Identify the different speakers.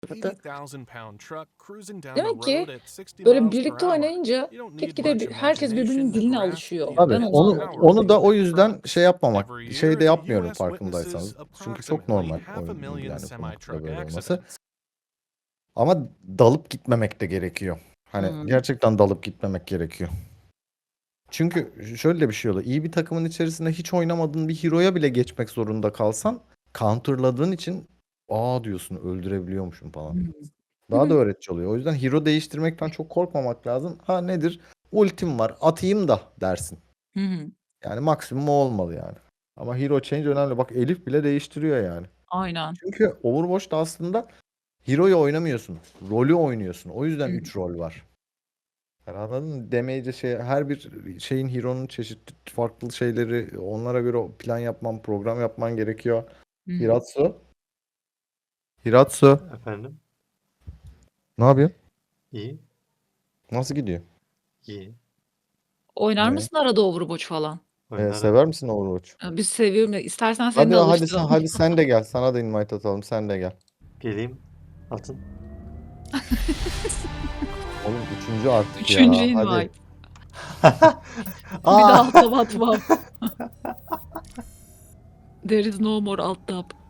Speaker 1: arada.
Speaker 2: 80,000 pound truck cruising down the
Speaker 1: Demek ki
Speaker 2: road at 60
Speaker 1: böyle
Speaker 2: miles per
Speaker 1: birlikte
Speaker 2: hour.
Speaker 1: oynayınca
Speaker 2: You don't need
Speaker 1: gitgide
Speaker 2: much
Speaker 1: herkes birbirinin
Speaker 2: imagination to
Speaker 1: diline
Speaker 2: grasp
Speaker 1: alışıyor.
Speaker 2: the
Speaker 3: Tabii
Speaker 1: Ben onu
Speaker 2: immense
Speaker 3: onu
Speaker 2: power of
Speaker 1: anladım.
Speaker 3: onu da
Speaker 2: these
Speaker 3: o
Speaker 2: big
Speaker 3: yüzden
Speaker 2: trucks.
Speaker 3: şey yapmamak,
Speaker 2: Every
Speaker 3: şey
Speaker 2: year,
Speaker 3: de
Speaker 2: the
Speaker 3: yapmıyorum
Speaker 2: US
Speaker 3: farkındaysanız.
Speaker 2: witnesses
Speaker 3: Çünkü çok
Speaker 2: approximately
Speaker 3: normal
Speaker 2: half a million
Speaker 3: yani bu noktada
Speaker 2: semi-truck
Speaker 3: böyle olması.
Speaker 2: accidents.
Speaker 3: Ama dalıp gitmemek de gerekiyor. Hani gerçekten dalıp gitmemek gerekiyor. Çünkü şöyle de bir şey oluyor. İyi bir takımın içerisinde hiç oynamadığın bir hero'ya bile geçmek zorunda kalsan counterladığın için diyorsun öldürebiliyormuşum falan. Daha da öğretici oluyor. O yüzden hero değiştirmekten çok korkmamak lazım. Ha nedir? Ultim var atayım da dersin. Yani maksimum o olmalı yani. Ama hero change önemli. Bak Elif bile değiştiriyor yani.
Speaker 1: Aynen.
Speaker 3: Çünkü Overwatch'ta aslında hero'yu oynamıyorsun. Rolü oynuyorsun. O yüzden 3 rol var. Yani anladın mı? Damage'e her bir şeyin hero'nun çeşitli farklı şeyleri onlara göre plan yapman, program yapman gerekiyor. Hiratsu. Hiratsu.
Speaker 4: Efendim?
Speaker 3: Ne yapıyorsun?
Speaker 4: İyi.
Speaker 3: Nasıl gidiyor?
Speaker 4: İyi.
Speaker 1: Oynar
Speaker 3: Ne?
Speaker 1: mısın arada Overwatch falan?
Speaker 4: Oynarım.
Speaker 3: Sever misin Overwatch?
Speaker 1: Biz seviyorum. İstersen seni de alıştıralım.
Speaker 3: Hadi sen de gel. Sana da invite atalım. Sen de gel.
Speaker 4: Geleyim. Atın.
Speaker 3: Oğlum 3. artık
Speaker 1: Üçüncü
Speaker 3: ya.
Speaker 1: invite.
Speaker 3: Hadi.
Speaker 1: Bir daha alt tab atmam. There is no more alt tab.